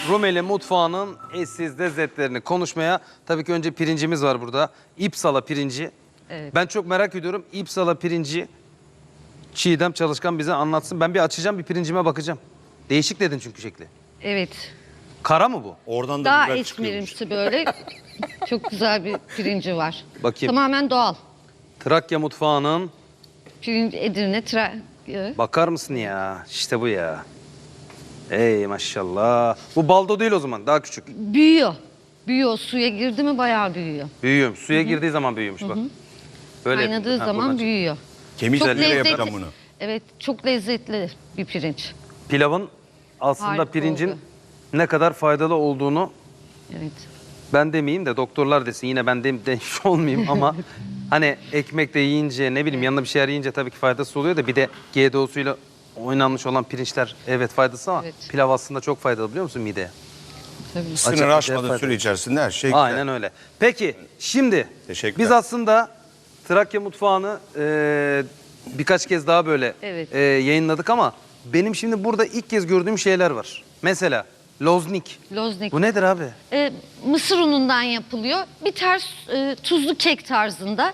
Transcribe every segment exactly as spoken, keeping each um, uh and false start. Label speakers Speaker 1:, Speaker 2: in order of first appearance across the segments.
Speaker 1: Rumeli mutfağının eşsiz lezzetlerini konuşmaya, tabii ki önce pirincimiz var burada. İpsala pirinci.
Speaker 2: Evet.
Speaker 1: Ben çok merak ediyorum. İpsala pirinci Çiğdem Çalışkan bize anlatsın. Ben bir açacağım, bir pirincime bakacağım. Değişik dedin çünkü şekli.
Speaker 2: Evet.
Speaker 1: Kara mı bu?
Speaker 3: Oradan da
Speaker 2: Daha
Speaker 3: biber çıkıyormuş.
Speaker 2: esmerimsi böyle çok güzel bir pirinci var.
Speaker 1: Bakayım.
Speaker 2: Tamamen doğal.
Speaker 1: Trakya mutfağının,
Speaker 2: Pirinç Edirne, Trakya.
Speaker 1: bakar mısın ya? İşte bu ya. Ey maşallah. Bu baldo değil o zaman, daha küçük.
Speaker 2: Büyüyor. Büyüyor. Suya girdi mi bayağı büyüyor.
Speaker 1: Büyüyor. Suya girdiği zaman büyüyormuş bak. Böyle
Speaker 2: Kaynadığı
Speaker 1: yapıyor. Ha,
Speaker 2: zaman
Speaker 1: buradan
Speaker 2: büyüyor.
Speaker 3: Kemiklerle
Speaker 2: Çok
Speaker 3: yapacağım
Speaker 2: lezzetli.
Speaker 3: bunu.
Speaker 2: Evet, çok lezzetli bir pirinç.
Speaker 1: çık- Pilavın aslında
Speaker 2: Harika
Speaker 1: pirincin
Speaker 2: oldu.
Speaker 1: ne kadar faydalı olduğunu
Speaker 2: Evet.
Speaker 1: ben demeyeyim de doktorlar desin, yine ben de, demiş olmayayım ama hani ekmekle yiyince, ne bileyim yanına bir şeyler yiyince tabii ki faydası oluyor da bir de G D O'suyla oynanmış olan pirinçler evet faydası ama
Speaker 2: Evet.
Speaker 1: pilav aslında çok faydalı, biliyor musun mideye?
Speaker 2: Tabii.
Speaker 3: Sınır
Speaker 1: Acayip
Speaker 3: aşmadığı
Speaker 1: faydalı.
Speaker 3: süre içerisinde her şey güzel.
Speaker 1: Aynen öyle. Peki şimdi
Speaker 3: Teşekkürler.
Speaker 1: biz aslında Trakya mutfağını e, birkaç kez daha böyle
Speaker 2: Evet.
Speaker 1: e, yayınladık ama benim şimdi burada ilk kez gördüğüm şeyler var. Mesela loznik.
Speaker 2: Loznik.
Speaker 1: Bu nedir abi?
Speaker 2: Ee, mısır unundan yapılıyor. Bir ters e, tuzlu kek tarzında.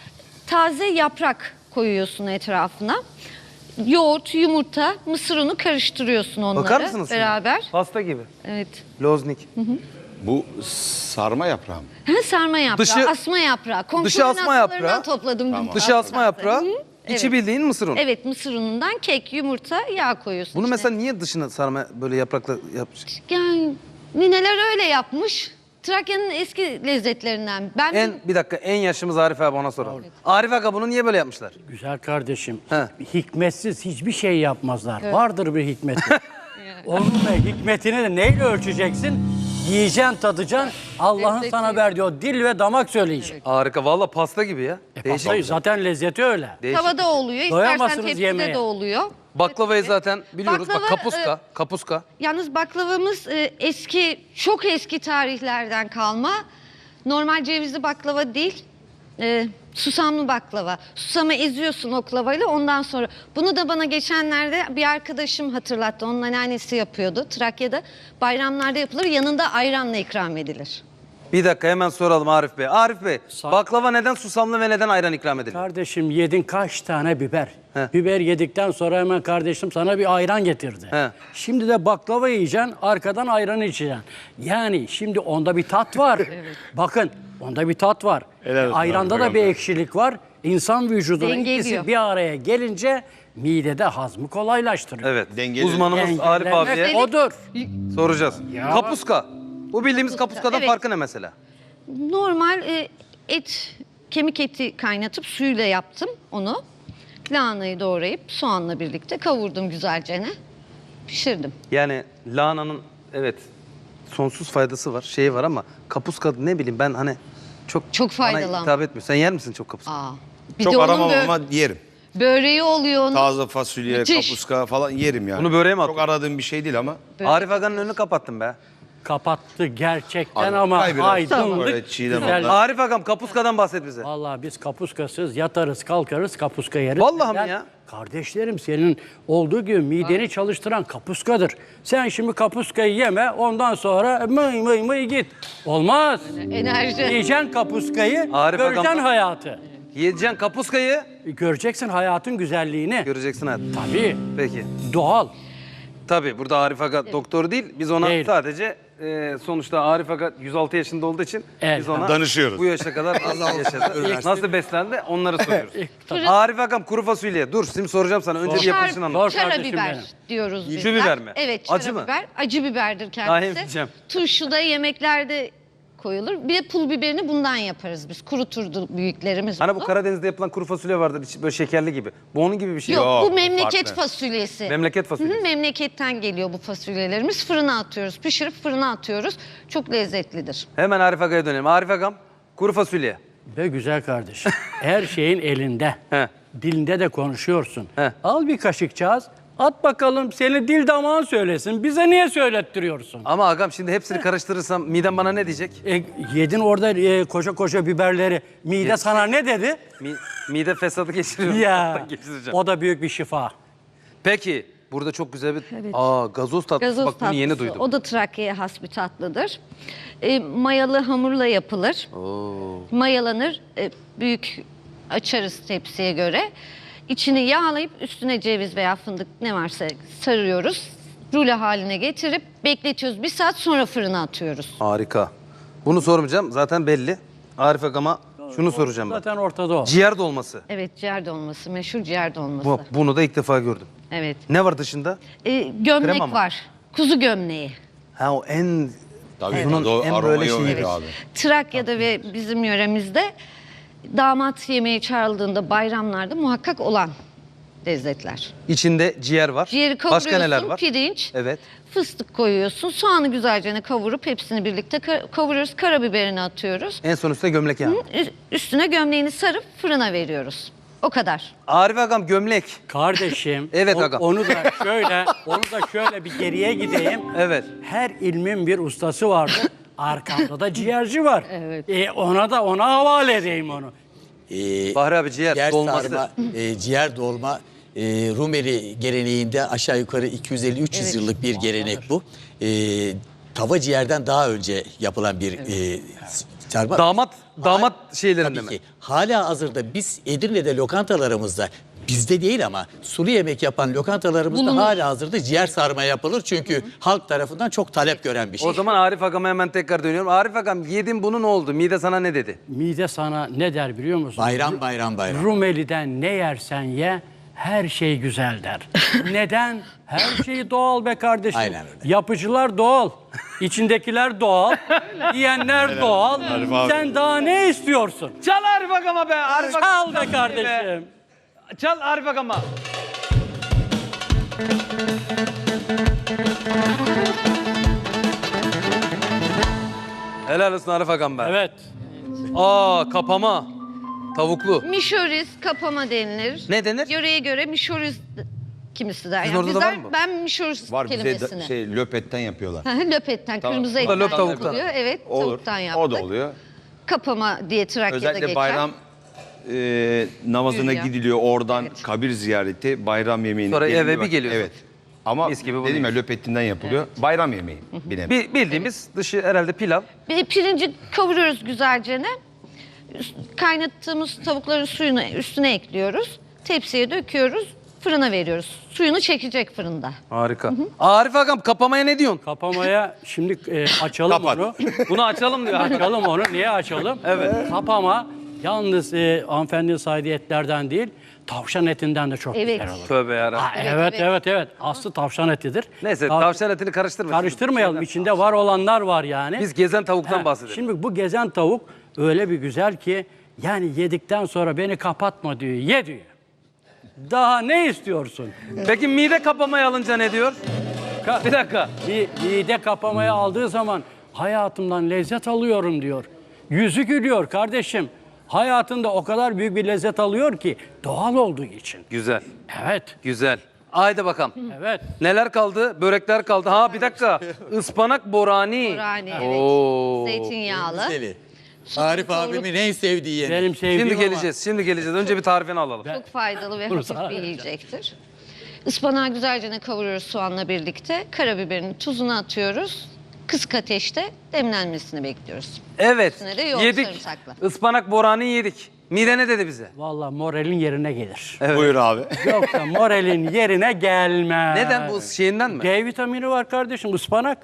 Speaker 2: Taze yaprak koyuyorsun etrafına. Yoğurt, yumurta, mısır unu karıştırıyorsun onları
Speaker 1: Bakar mısınız? şimdi?
Speaker 2: beraber.
Speaker 1: Pasta gibi.
Speaker 2: Evet.
Speaker 1: Loznik.
Speaker 3: Bu sarma yaprağı mı?
Speaker 2: Ha, sarma yaprağı,
Speaker 1: Dışı-
Speaker 2: asma yaprağı. Komşunun
Speaker 1: dışı asma
Speaker 2: asmalarından
Speaker 1: yaprağı.
Speaker 2: topladım.
Speaker 3: Tamam.
Speaker 1: Dışı asma yaprağı,
Speaker 2: Hı,
Speaker 1: içi
Speaker 2: evet.
Speaker 1: bildiğin mısır unu.
Speaker 2: Evet, mısır unundan kek, yumurta, yağ koyuyorsun.
Speaker 1: Bunu
Speaker 2: içine.
Speaker 1: mesela niye dışına sarma böyle yaprakla yapmış?
Speaker 2: Yani nineler öyle yapmış. Trakya'nın eski lezzetlerinden. Ben
Speaker 1: En bir dakika, en yaşımız Arif abi, ona soralım. Arif abi bunu niye böyle yapmışlar?
Speaker 4: Güzel kardeşim,
Speaker 1: He.
Speaker 4: hikmetsiz hiçbir şey yapmazlar. Vardır bir hikmeti. Onun da hikmetini de neyle ölçeceksin? Yiyeceksin, tadacaksın. Allah'ın
Speaker 2: Lezzeti.
Speaker 4: sana verdiği o dil ve damak söyleyecek.
Speaker 1: Harika, valla pasta gibi ya.
Speaker 4: E,
Speaker 1: Değişik.
Speaker 4: pastayı zaten lezzeti öyle.
Speaker 1: Değişik.
Speaker 2: tavada oluyor, istersen
Speaker 4: Doyamazsınız
Speaker 2: tepside
Speaker 4: yemeğe.
Speaker 2: de oluyor.
Speaker 1: Baklavayı zaten biliyoruz.
Speaker 2: Baklava,
Speaker 1: Bak kapuska, kapuska.
Speaker 2: Yalnız baklavamız e, eski, çok eski tarihlerden kalma. Normal cevizli baklava değil, e, susamlı baklava. Susamı eziyorsun oklavayla, ondan sonra. Bunu da bana geçenlerde bir arkadaşım hatırlattı. Onun anneannesi yapıyordu Trakya'da. Bayramlarda yapılır, yanında ayranla ikram edilir.
Speaker 1: Bir dakika, hemen soralım Arif Bey. Arif Bey,
Speaker 4: Sa-
Speaker 1: baklava neden susamlı ve neden ayran ikram edilir?
Speaker 4: Kardeşim yedin kaç tane biber?
Speaker 1: He.
Speaker 4: Biber yedikten sonra hemen kardeşim sana bir ayran getirdi.
Speaker 1: He.
Speaker 4: Şimdi de baklava yiyeceksin, arkadan ayranı içeceksin. Yani şimdi onda bir tat var. Bakın onda bir tat var.
Speaker 3: Helal olsun
Speaker 4: Ayranda
Speaker 3: abi,
Speaker 4: da bir
Speaker 3: peygamber.
Speaker 4: ekşilik var. İnsan vücuduna
Speaker 2: Dengeliyor.
Speaker 4: ikisi bir araya gelince midede hazmı kolaylaştırıyor.
Speaker 1: Evet.
Speaker 3: Dengeli-
Speaker 1: Uzmanımız Arif
Speaker 4: Engellemek
Speaker 1: abiye
Speaker 4: odur.
Speaker 1: soracağız.
Speaker 4: Ya.
Speaker 1: Kapuska. Bu bildiğimiz kapuskadan
Speaker 2: Evet.
Speaker 1: farkı ne mesela?
Speaker 2: Normal e, et, kemik eti kaynatıp suyla yaptım onu. Lahanayı doğrayıp soğanla birlikte kavurdum güzelce. Pişirdim.
Speaker 1: Yani lahananın evet sonsuz faydası var, şeyi var ama kapuska ne bileyim ben hani çok
Speaker 2: Çok faydalı
Speaker 1: bana
Speaker 2: ama.
Speaker 1: hitap etmiyor. Sen yer misin çok kapuska?
Speaker 2: Aa. Bir
Speaker 3: Çok
Speaker 2: de onun
Speaker 3: aramam
Speaker 2: bö-
Speaker 3: ama yerim.
Speaker 2: böreği oluyor onun.
Speaker 3: Taze fasulye,
Speaker 2: Müthiş.
Speaker 3: kapuska falan yerim yani.
Speaker 1: Bunu böreğe mi
Speaker 3: Çok
Speaker 1: atıyorsun?
Speaker 3: aradığım bir şey değil ama.
Speaker 1: Arif Aga'nın önünü kapattın be.
Speaker 4: Kapattı gerçekten
Speaker 3: Abi,
Speaker 4: ama
Speaker 3: ay biraz.
Speaker 4: aydınlık.
Speaker 3: Böyle çiğdem
Speaker 4: güzel.
Speaker 3: oldu.
Speaker 1: Arif Agam, kapuskadan bahset bize.
Speaker 4: Vallahi biz kapuskasız yatarız kalkarız kapuska yeriz.
Speaker 1: Vallahi mi
Speaker 4: Neden?
Speaker 1: ya?
Speaker 4: Kardeşlerim senin olduğu gibi mideni çalıştıran kapuskadır. Sen şimdi kapuskayı yeme ondan sonra mıy mıy mıy git. Olmaz.
Speaker 2: Enerji.
Speaker 4: Yiyeceksin kapuskayı,
Speaker 1: Arif
Speaker 4: göreceksin
Speaker 1: Agam-
Speaker 4: hayatı.
Speaker 1: Yiyeceksin kapuskayı,
Speaker 4: Göreceksin hayatın güzelliğini.
Speaker 1: göreceksin hadi.
Speaker 4: Tabii.
Speaker 1: Peki.
Speaker 4: Doğal.
Speaker 1: Tabii burada Arif Aga doktor değil. Biz ona
Speaker 4: Değil.
Speaker 1: sadece e, sonuçta Arif Aga yüz altı yaşında olduğu için
Speaker 4: Evet.
Speaker 1: biz ona
Speaker 3: Danışıyoruz.
Speaker 1: bu yaşa kadar nasıl yaşadı, nasıl beslendi onları soruyoruz.
Speaker 4: Tabii.
Speaker 1: Arif Agam, kuru fasulye. Dur şimdi soracağım sana. Önce bir yapılışını anlat.
Speaker 4: Sor
Speaker 2: Çara
Speaker 4: kardeşim
Speaker 2: biber
Speaker 4: benim.
Speaker 2: diyoruz biz.
Speaker 1: Şu biber mi?
Speaker 2: Evet, çara
Speaker 1: Acı mı?
Speaker 2: biber. Acı biberdir
Speaker 1: Daha
Speaker 2: kendisi.
Speaker 1: yemeyeceğim.
Speaker 2: Turşu da yemeklerde koyulur. Bir de pul biberini bundan yaparız biz. Kuruturdu büyüklerimiz
Speaker 1: Hani bu
Speaker 2: bunu.
Speaker 1: Karadeniz'de yapılan kuru fasulye vardır, içi böyle şekerli gibi. Bu onun gibi bir şey.
Speaker 2: Yok,
Speaker 3: Yok,
Speaker 2: bu
Speaker 3: bu
Speaker 2: memleket
Speaker 3: farklı.
Speaker 2: fasulyesi.
Speaker 1: Memleket
Speaker 2: Hı
Speaker 1: fasulyesi.
Speaker 2: hı, memleketten geliyor bu fasulyelerimiz. Fırına atıyoruz. Pişirip fırına atıyoruz. Çok lezzetlidir.
Speaker 1: Hemen Arif Aga'ya dönelim. Arif Agam, kuru fasulye.
Speaker 4: Be güzel kardeşim. Her şeyin elinde.
Speaker 1: He.
Speaker 4: Dilinde de konuşuyorsun.
Speaker 1: He.
Speaker 4: Al bir kaşıkcağız. At bakalım seni dil damağın söylesin. Bize niye söylettiriyorsun?
Speaker 1: Ama Agam şimdi hepsini karıştırırsam midem bana ne diyecek?
Speaker 4: E, yedin orada e, koca koca biberleri. Mide sana ne dedi?
Speaker 1: Mi- mide fesadı geçiriyorum.
Speaker 4: Ya
Speaker 1: Geçireceğim.
Speaker 4: o da büyük bir şifa.
Speaker 1: Peki burada çok güzel bir
Speaker 2: Evet.
Speaker 1: aa gazoz tatlısı.
Speaker 2: Gazoz
Speaker 1: Bak bunu
Speaker 2: tatlısı.
Speaker 1: yeni duydum.
Speaker 2: O da Trakya'ya has bir tatlıdır. E, mayalı hamurla yapılır.
Speaker 1: Oo.
Speaker 2: Mayalanır. E, büyük açarız tepsiye göre. İçini yağlayıp üstüne ceviz veya fındık ne varsa sarıyoruz. Rulo haline getirip bekletiyoruz. Bir saat sonra fırına atıyoruz.
Speaker 1: Harika. Bunu sormayacağım. Zaten belli. Arif Agam'a şunu soracağım ben.
Speaker 4: Zaten ortada o.
Speaker 1: Ciğer dolması.
Speaker 2: Evet, ciğer dolması. Meşhur ciğer dolması.
Speaker 1: Bu, bunu da ilk defa gördüm.
Speaker 2: Evet.
Speaker 1: Ne var dışında?
Speaker 2: E, gömlek
Speaker 1: Krema mı?
Speaker 2: var. Kuzu gömleği.
Speaker 1: Ha o en
Speaker 3: Tabii
Speaker 1: bunun
Speaker 3: o
Speaker 1: en
Speaker 3: aromayı
Speaker 1: böyle
Speaker 3: o
Speaker 1: şeyi.
Speaker 3: veriyor abi.
Speaker 2: Trakya'da ve bizim yöremizde damat yemeği çağrıldığında bayramlarda muhakkak olan lezzetler.
Speaker 1: İçinde ciğer var.
Speaker 2: Ciğeri
Speaker 1: Başka neler
Speaker 2: kavuruyorsun,
Speaker 1: var?
Speaker 2: pirinç,
Speaker 1: Evet.
Speaker 2: fıstık koyuyorsun, soğanı güzelce kavurup hepsini birlikte ka- kavuruyoruz, karabiberini atıyoruz.
Speaker 1: En son üstüne gömlek yani.
Speaker 2: Ü- Üstüne gömleğini sarıp fırına veriyoruz. O kadar.
Speaker 1: Arif Agam gömlek.
Speaker 4: Kardeşim.
Speaker 1: Evet
Speaker 4: o-
Speaker 1: agam.
Speaker 4: Onu da şöyle, onu da şöyle bir geriye gideyim.
Speaker 1: Evet.
Speaker 4: Her ilmin bir ustası vardır. Arkamda da ciğerci var.
Speaker 2: Evet.
Speaker 4: E, ona da ona havale edeyim onu.
Speaker 5: Ee,
Speaker 1: Bahri abi ciğer,
Speaker 5: ciğer
Speaker 1: dolması.
Speaker 5: sarma, e, ciğer dolma e, Rumeli geleneğinde aşağı yukarı iki yüz elli üç yüz
Speaker 2: Evet.
Speaker 5: yıllık bir gelenek bu. E, tava ciğerden daha önce yapılan bir e, sarma.
Speaker 1: Damat damat şeylerinde
Speaker 5: Tabii
Speaker 1: mi?
Speaker 5: ki. Hala hazırda biz Edirne'de lokantalarımızda bizde değil ama sulu yemek yapan lokantalarımızda
Speaker 2: Bulunur.
Speaker 5: hala hazırda ciğer sarma yapılır. Çünkü halk tarafından çok talep gören bir şey.
Speaker 1: O zaman Arif Agam'a hemen tekrar dönüyorum. Arif Agam yedin bunu ne oldu? Mide sana ne dedi?
Speaker 4: Mide sana ne der biliyor musun?
Speaker 5: Bayram bayram bayram.
Speaker 4: Rumeli'den ne yersen ye her şey güzel der. Neden? Her şey doğal be kardeşim.
Speaker 5: Aynen öyle.
Speaker 4: Yapıcılar doğal. İçindekiler doğal. Yiyenler doğal.
Speaker 3: Arif abi.
Speaker 4: Sen daha ne istiyorsun?
Speaker 1: Çal Arif Agam'a be. Arif
Speaker 4: Çal be kardeşim.
Speaker 1: Çal Arif Agam'a. Helal olsun Arif Agam be.
Speaker 4: Evet.
Speaker 1: Aa kapama. Tavuklu.
Speaker 2: Mişoriz, kapama denilir.
Speaker 1: Ne denir?
Speaker 2: Yöreye göre mişoriz kimisi der.
Speaker 1: Sizin orada da
Speaker 2: bizler-
Speaker 1: var mı bu?
Speaker 2: Ben mişoriz
Speaker 3: Var bize
Speaker 2: kelimesini.
Speaker 3: de, şey löpetten yapıyorlar.
Speaker 2: Hı hı, löpetten,
Speaker 3: Tamam.
Speaker 2: kırmızı
Speaker 3: O da
Speaker 2: etten
Speaker 1: löp tavuktan.
Speaker 2: yapılıyor. Evet,
Speaker 3: Olur.
Speaker 2: tavuktan yaptık.
Speaker 3: O da oluyor.
Speaker 2: Kapama diye Trakya'da
Speaker 3: Özellikle
Speaker 2: geçer.
Speaker 3: bayram e, namazına
Speaker 2: Yürüyor.
Speaker 3: gidiliyor. Oradan
Speaker 2: Evet.
Speaker 3: kabir ziyareti, bayram yemeğini.
Speaker 1: Sonra
Speaker 3: Yemeği
Speaker 1: eve
Speaker 3: bak-
Speaker 1: bir geliyorsun.
Speaker 3: Evet. Ama
Speaker 1: Mis gibi bunu
Speaker 3: dedim ya
Speaker 1: yiyorsun.
Speaker 3: löpetinden yapılıyor. Bayram yemeği. Bir nevi.
Speaker 1: Bi- bildiğimiz dışı herhalde pilav.
Speaker 2: Bir pirinci kavuruyoruz güzelce. Üst- Kaynattığımız tavukların suyunu üstüne ekliyoruz. Tepsiye döküyoruz. Fırına veriyoruz. Suyunu çekecek fırında.
Speaker 1: Harika. Arif Agam kapamaya ne diyorsun?
Speaker 4: Kapamaya şimdi e, açalım
Speaker 3: Kapat.
Speaker 4: onu.
Speaker 1: Bunu açalım diyor.
Speaker 4: Açalım onu. Niye açalım? Evet. Kapama yalnız e, hanımefendinin saydığı etlerden değil, tavşan etinden de çok
Speaker 2: Evet.
Speaker 4: güzel olur.
Speaker 1: Tövbe yarabbim.
Speaker 4: Ha,
Speaker 2: Evet,
Speaker 4: evet,
Speaker 2: evet.
Speaker 4: evet, evet. Aslı tavşan etidir.
Speaker 1: Neyse
Speaker 4: Tav-
Speaker 1: tavşan etini karıştırma.
Speaker 4: Karıştırmayalım. İçinde var olanlar var yani.
Speaker 1: Biz gezen tavuktan
Speaker 4: Ha,
Speaker 1: bahsedelim.
Speaker 4: Şimdi bu gezen tavuk öyle bir güzel ki yani yedikten sonra beni kapatma diyor. Ye diyor. Daha ne istiyorsun?
Speaker 1: Peki mide kapamayı alınca ne diyor?
Speaker 4: Ka-
Speaker 1: Bir dakika.
Speaker 4: Bir mide kapamaya aldığı zaman hayatımdan lezzet alıyorum diyor. Yüzü gülüyor kardeşim. Hayatında o kadar büyük bir lezzet alıyor ki doğal olduğu için.
Speaker 1: Güzel.
Speaker 4: Evet,
Speaker 1: Güzel. Haydi bakalım.
Speaker 4: evet.
Speaker 1: Neler kaldı? Börekler kaldı. Ha bir dakika. Ispanak borani.
Speaker 2: Burani,
Speaker 1: Oo.
Speaker 2: evet. Zeytinyağlı.
Speaker 5: Güzeli. Arif abimin en sevdiği yemek.
Speaker 4: Benim sevdiğim
Speaker 1: Şimdi
Speaker 4: ama-
Speaker 1: geleceğiz. Şimdi geleceğiz. Önce bir tarifini alalım.
Speaker 2: Çok faydalı ve
Speaker 4: Bunu
Speaker 2: hafif
Speaker 4: sana
Speaker 2: bir
Speaker 4: vereceğim.
Speaker 2: yiyecektir. Ispanağı güzelce kavuruyoruz soğanla birlikte. Karabiberini, tuzunu atıyoruz. Kısık ateşte demlenmesini bekliyoruz.
Speaker 1: Evet.
Speaker 2: Üstüne de yoğurt
Speaker 1: Yedik.
Speaker 2: sarımsaklı.
Speaker 1: Ispanak borani yedik. Mide ne dedi bize?
Speaker 4: Vallahi moralin yerine gelir.
Speaker 3: Buyur abi.
Speaker 4: Yoksa moralin yerine gelmez.
Speaker 1: Neden bu şeyinden mi?
Speaker 4: D vitamini var kardeşim, ıspanak.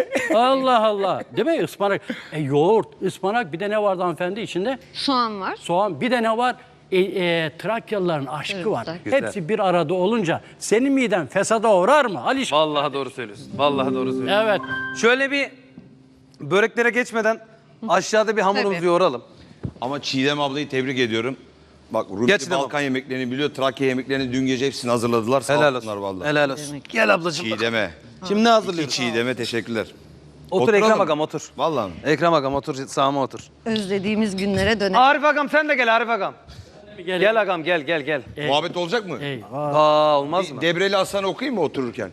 Speaker 4: Allah Allah. Değil mi ıspanak? E, yoğurt, ıspanak, bir de ne vardı hanımefendi içinde?
Speaker 2: Soğan var.
Speaker 4: Soğan, bir de ne var? E, e, Trakyalıların aşkı var.
Speaker 2: Sarımsak.
Speaker 1: Güzel.
Speaker 4: Hepsi bir arada olunca senin miden fesada uğrar mı? Ali
Speaker 1: Vallahi doğru söylüyorsun. Vallahi doğru söylüyorsun.
Speaker 4: Evet.
Speaker 1: Şöyle bir böreklere geçmeden aşağıda bir hamurumuzu
Speaker 2: Tabii.
Speaker 1: yoğuralım.
Speaker 3: Ama Çiğdem ablayı tebrik ediyorum. Bak Rumeli
Speaker 1: Geç Çiğdem
Speaker 3: Balkan yemeklerini biliyor. Trakya yemeklerini dün gece hepsini hazırladılar. Sağ
Speaker 1: Helal
Speaker 3: olsunlar
Speaker 1: olsun.
Speaker 3: vallahi.
Speaker 1: Helal olsun. Gel ablacığım.
Speaker 3: Çiğdem'e.
Speaker 1: Şimdi ne hazırlıyoruz?
Speaker 3: İki Çiğdem'e teşekkürler.
Speaker 1: Otur
Speaker 3: Oturalım.
Speaker 1: Ekrem Agam otur.
Speaker 3: Vallahi mi?
Speaker 1: Ekrem Agam otur sağıma otur.
Speaker 2: Özlediğimiz günlere dönelim.
Speaker 1: Arif Agam sen de gel Arif Agam.
Speaker 4: Gel.
Speaker 1: Gel Agam gel gel gel.
Speaker 3: Muhabbet olacak mı?
Speaker 4: Eyvah.
Speaker 1: Aa olmaz mı?
Speaker 3: Debreli Hasan okuyayım mı otururken?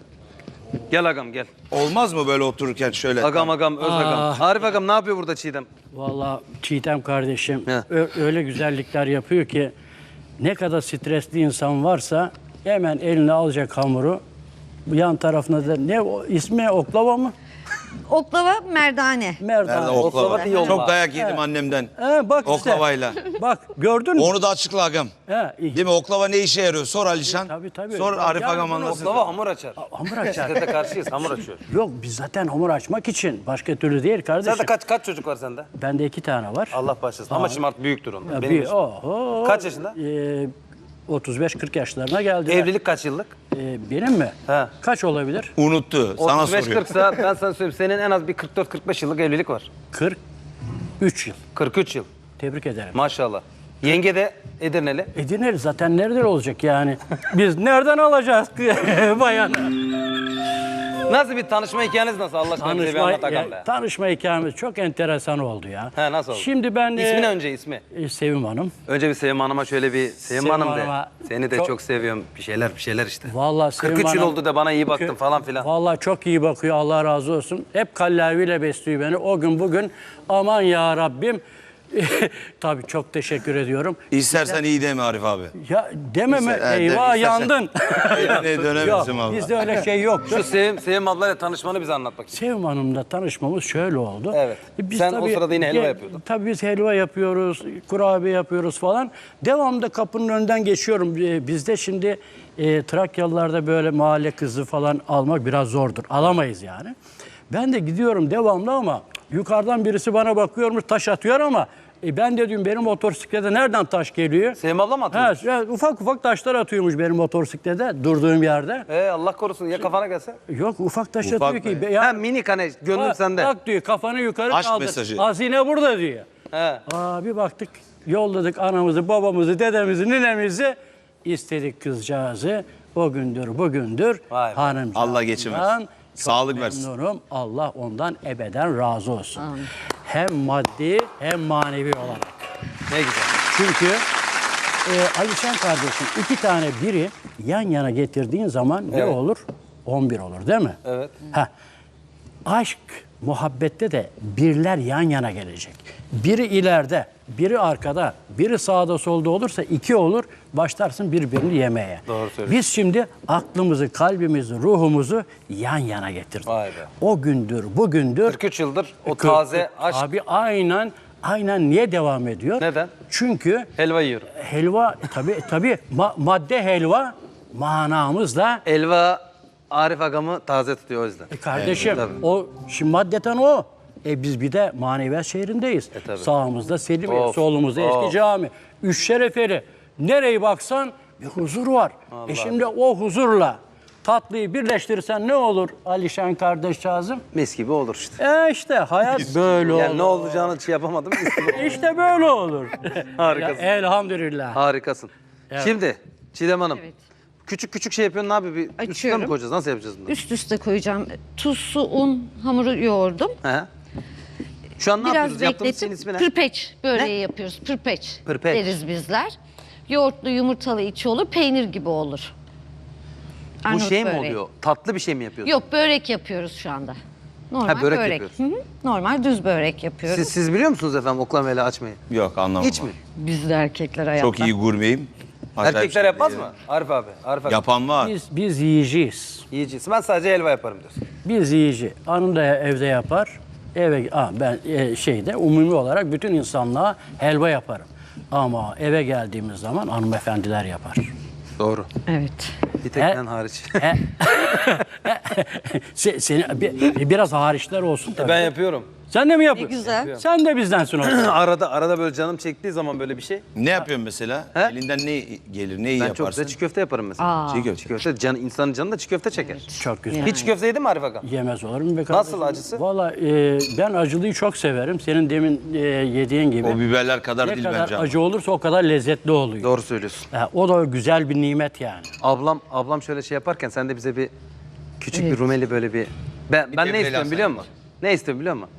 Speaker 1: Gel Agam gel.
Speaker 3: Olmaz mı böyle otururken şöyle?
Speaker 1: Agam Agam öz Agam.
Speaker 4: Ah.
Speaker 1: Arif Agam ne yapıyor burada Çiğdem?
Speaker 4: Vallahi Çiğdem kardeşim
Speaker 1: He.
Speaker 4: ö- öyle güzellikler yapıyor ki ne kadar stresli insan varsa hemen eline alacak hamuru Bu yan tarafında da ne o, ismi oklava mı?
Speaker 2: Oklava merdane.
Speaker 4: Merdane.
Speaker 3: Nerede oklava?
Speaker 1: Oklava değil,
Speaker 3: Çok
Speaker 1: olma.
Speaker 3: dayak yedim annemden.
Speaker 4: He, bak işte.
Speaker 3: Oklavayla.
Speaker 4: Bak gördün mü?
Speaker 3: Onu da açıkla agam.
Speaker 4: He, iyi.
Speaker 3: Değil mi? Oklava ne işe yarıyor? Sor Alişan.
Speaker 4: Tabii, tabii.
Speaker 3: Sor
Speaker 4: Ya,
Speaker 3: Arif
Speaker 4: yani
Speaker 3: agam
Speaker 4: bunu
Speaker 3: anlasın.
Speaker 1: Oklava hamur açar.
Speaker 4: Hamur açar.
Speaker 1: Şiddete karşıyız, hamur açıyor.
Speaker 4: Yok biz zaten hamur açmak için. Başka türlü değil kardeşim.
Speaker 1: Sende kaç kaç çocuk var sende?
Speaker 4: Bende iki tane var.
Speaker 1: Allah başlasın. Ama şimdi artık büyüktür onlar.
Speaker 4: Ya
Speaker 1: Benim
Speaker 4: bir,
Speaker 1: yaşım.
Speaker 4: oho,
Speaker 1: Kaç yaşında?
Speaker 4: E, otuz beş kırk yaşlarına geldi.
Speaker 1: Evlilik kaç yıllık?
Speaker 4: E, benim mi?
Speaker 1: He.
Speaker 4: Kaç olabilir?
Speaker 3: Unuttu. Sana
Speaker 1: otuz beş
Speaker 3: soruyor.
Speaker 1: kırk sa ben sana söyleyeyim. Senin en az bir kırk dört kırk beş yıllık evlilik var.
Speaker 4: kırk üç yıl.
Speaker 1: kırk üç yıl.
Speaker 4: Tebrik ederim.
Speaker 1: Maşallah. Yenge de Edirneli.
Speaker 4: Edirneli zaten nereden olacak yani? Biz nereden alacağız bayanı?
Speaker 1: Nasıl bir tanışma hikayeniz nasıl? Allah aşkına bize bir
Speaker 4: Tanışma,
Speaker 1: anlat Hakan
Speaker 4: ya,
Speaker 1: be.
Speaker 4: tanışma hikayemiz çok enteresan oldu ya.
Speaker 1: He, nasıl oldu?
Speaker 4: Şimdi ben...
Speaker 1: İsmi
Speaker 4: e,
Speaker 1: ne önce ismi?
Speaker 4: e, Sevim Hanım.
Speaker 1: Önce bir Sevim Hanım'a şöyle bir Sevim,
Speaker 4: Sevim
Speaker 1: Hanım de.
Speaker 4: Hanım'a
Speaker 1: Seni de çok,
Speaker 4: çok-
Speaker 1: seviyorum. Bir şeyler bir şeyler işte.
Speaker 4: Vallahi Sevim
Speaker 1: kırk üç yıl
Speaker 4: Hanım-
Speaker 1: oldu da bana iyi baktın falan filan.
Speaker 4: Vallahi çok iyi bakıyor, Allah razı olsun. Hep kallaviyle besliyor beni. O gün bugün aman ya Rabbim. Tabii çok teşekkür ediyorum.
Speaker 3: İstersen iyi deme Arif abi.
Speaker 4: Ya dememe
Speaker 3: İster- he,
Speaker 4: eyvah
Speaker 3: de- istersen-
Speaker 4: yandın.
Speaker 3: Evine
Speaker 4: Yok
Speaker 3: dönemezsin valla.
Speaker 4: bizde öyle şey yoktu.
Speaker 1: Şu Sevim, Sevim ablayla tanışmanı bize anlat bakayım.
Speaker 4: Sevim Hanım'la tanışmamız şöyle oldu.
Speaker 1: Evet. Sen o sırada yine helva
Speaker 4: ge-
Speaker 1: yapıyordun.
Speaker 4: Tabii biz helva yapıyoruz, kurabiye yapıyoruz falan. Devamlı kapının önünden geçiyorum. Ee, Bizde şimdi e, Trakyalılarda böyle mahalle kızı falan almak biraz zordur. Alamayız yani. Ben de gidiyorum devamlı ama yukarıdan birisi bana bakıyormuş, taş atıyor ama e, ben de diyorum benim motosiklete nereden taş geliyor?
Speaker 1: Sevim abla mı atıyor?
Speaker 4: Ha, ya ufak ufak taşlar atıyormuş benim motosiklete durduğum yerde.
Speaker 1: Ee, Allah korusun ya kafana gelse.
Speaker 4: Yok ufak taş
Speaker 3: Ufak
Speaker 4: atıyor ki.
Speaker 3: mı?
Speaker 4: be- ya-
Speaker 1: Ha minik hani gönlüm
Speaker 4: Bak,
Speaker 1: sende.
Speaker 4: Bak diyor kafanı yukarı
Speaker 3: Aşk
Speaker 4: kaldır.
Speaker 3: mesajı.
Speaker 4: Hazine burada diyor.
Speaker 1: He.
Speaker 4: Aa, bir baktık yolladık anamızı, babamızı, dedemizi, ninemizi istedik kızcağızı. O gündür bugündür
Speaker 1: Vay be.
Speaker 4: hanımcağızdan
Speaker 3: Allah geçirmez.
Speaker 4: çok
Speaker 3: Sağlık versin.
Speaker 4: memnunum. Allah ondan ebeden razı olsun. Hem maddi hem manevi olarak.
Speaker 1: Ne güzel.
Speaker 4: Çünkü e, Alişan kardeşim iki tane biri yan yana getirdiğin zaman ne
Speaker 1: Evet.
Speaker 4: olur? on bir olur değil mi?
Speaker 1: Evet.
Speaker 4: Heh. Aşk, muhabbette de birler yan yana gelecek. Biri ileride, biri arkada, biri sağda solda olursa iki olur. Başlarsın birbirini yemeye.
Speaker 1: Doğru söylüyorsun.
Speaker 4: Biz şimdi aklımızı, kalbimizi, ruhumuzu yan yana getirdik.
Speaker 1: Vay be.
Speaker 4: O gündür, bugündür.
Speaker 1: kırk üç yıldır o
Speaker 4: Kırk-
Speaker 1: taze aşk.
Speaker 4: Abi aynen, aynen niye devam ediyor?
Speaker 1: Neden?
Speaker 4: Çünkü
Speaker 1: Helva yiyorum.
Speaker 4: helva, tabii tabii ma- madde helva manamızla
Speaker 1: Elva Arif agamı taze tutuyor o yüzden.
Speaker 4: E kardeşim
Speaker 1: tabii.
Speaker 4: o şimdi maddeten o. E biz bir de maneviyat şehrindeyiz.
Speaker 1: E tabii.
Speaker 4: Sağımızda Selimiye,
Speaker 1: Of,
Speaker 4: solumuzda
Speaker 1: of.
Speaker 4: eski cami. Üç şerefeli. Nereye baksan bir huzur var. E şimdi o huzurla tatlıyı birleştirirsen ne olur Alişan kardeşcağızım?
Speaker 1: Mis gibi olur işte.
Speaker 4: E işte hayat böyle
Speaker 1: Yani
Speaker 4: olur.
Speaker 1: ne olacağını şey yapamadım. mis gibi.
Speaker 4: İşte böyle olur.
Speaker 1: Harikasın.
Speaker 4: Ya, elhamdülillah.
Speaker 1: Harikasın. Şimdi Çiğdem Hanım.
Speaker 2: Evet.
Speaker 1: Küçük küçük şey yapıyorsun abi. Bir üstüne mi
Speaker 2: Açıyorum.
Speaker 1: koyacağız? Nasıl yapacağız bunu?
Speaker 2: Üst üste koyacağım. Tuz, su, un, hamuru yoğurdum.
Speaker 1: He. Şu an ne
Speaker 2: Biraz
Speaker 1: yapıyoruz? Yaptığımız şeyin
Speaker 2: bekletip
Speaker 1: ismi ne?
Speaker 2: pırpeç böreği yapıyoruz. Pırpeç,
Speaker 1: Pırpeç.
Speaker 2: deriz bizler. Yoğurtlu yumurtalı içi olur, peynir gibi olur.
Speaker 1: Bu
Speaker 2: Arnavut
Speaker 1: şey mi
Speaker 2: böreği.
Speaker 1: oluyor? Tatlı bir şey mi yapıyorsun?
Speaker 2: Yok, börek yapıyoruz şu anda. Normal
Speaker 1: Ha, börek
Speaker 2: börek.
Speaker 1: yapıyorsun.
Speaker 2: Hı hı. Normal düz börek yapıyoruz.
Speaker 1: Siz, siz biliyor musunuz efendim oklamayla açmayı?
Speaker 3: Yok anlamam.
Speaker 1: Hiç mi?
Speaker 2: Biz de erkekler hayatta.
Speaker 3: Çok iyi gurmeyim. Acayip
Speaker 1: Erkekler
Speaker 3: şey
Speaker 1: yapmaz
Speaker 3: değil.
Speaker 1: mı? Arif abi. Arif abi.
Speaker 3: Yapan var.
Speaker 4: Biz, biz yiyeceğiz.
Speaker 1: Yiyeceğiz. Ben sadece helva yaparım diyorsun.
Speaker 4: Biz yiyici. Hanım da evde yapar. Eve aa, ben e, şeyde umumi olarak bütün insanlığa helva yaparım. Ama eve geldiğimiz zaman hanımefendiler yapar.
Speaker 1: Doğru.
Speaker 2: Evet.
Speaker 1: Bir tek
Speaker 4: He.
Speaker 1: ben hariç.
Speaker 4: He. Se, seni, bir, biraz hariçler olsun tabii.
Speaker 1: ben yapıyorum.
Speaker 4: Sen de mi
Speaker 2: Ne
Speaker 4: yapıyorsun?
Speaker 2: güzel.
Speaker 4: Sen de bizdensin o zaman.
Speaker 1: arada arada böyle canım çektiği zaman böyle bir şey.
Speaker 3: Ne yapıyorsun mesela?
Speaker 1: He?
Speaker 3: Elinden ne gelir, neyi
Speaker 1: Ben çok
Speaker 3: yaparsın?
Speaker 1: güzel çiğ köfte yaparım mesela.
Speaker 2: Aa.
Speaker 3: Çiğ köfte.
Speaker 1: Çiğ köfte can, insanın canı da çiğ köfte çeker.
Speaker 4: Çok güzel.
Speaker 1: Hiç köfte yedin mi Arif Aga?
Speaker 4: Yemez olur mu be kardeşim?
Speaker 1: Nasıl acısı?
Speaker 4: Valla e, ben acılıyı çok severim. Senin demin e, yediğin gibi.
Speaker 3: O biberler kadar
Speaker 4: ne
Speaker 3: değil
Speaker 4: kadar
Speaker 3: bence ama.
Speaker 4: acı olursa o kadar lezzetli oluyor.
Speaker 1: Doğru söylüyorsun.
Speaker 4: Ha, o da güzel bir nimet yani.
Speaker 1: Ablam ablam şöyle şey yaparken sen de bize bir küçük bir Rumeli böyle bir ben ben ne
Speaker 3: devreyle
Speaker 1: istiyorum biliyor musun? Ne istiyorum biliyor musun?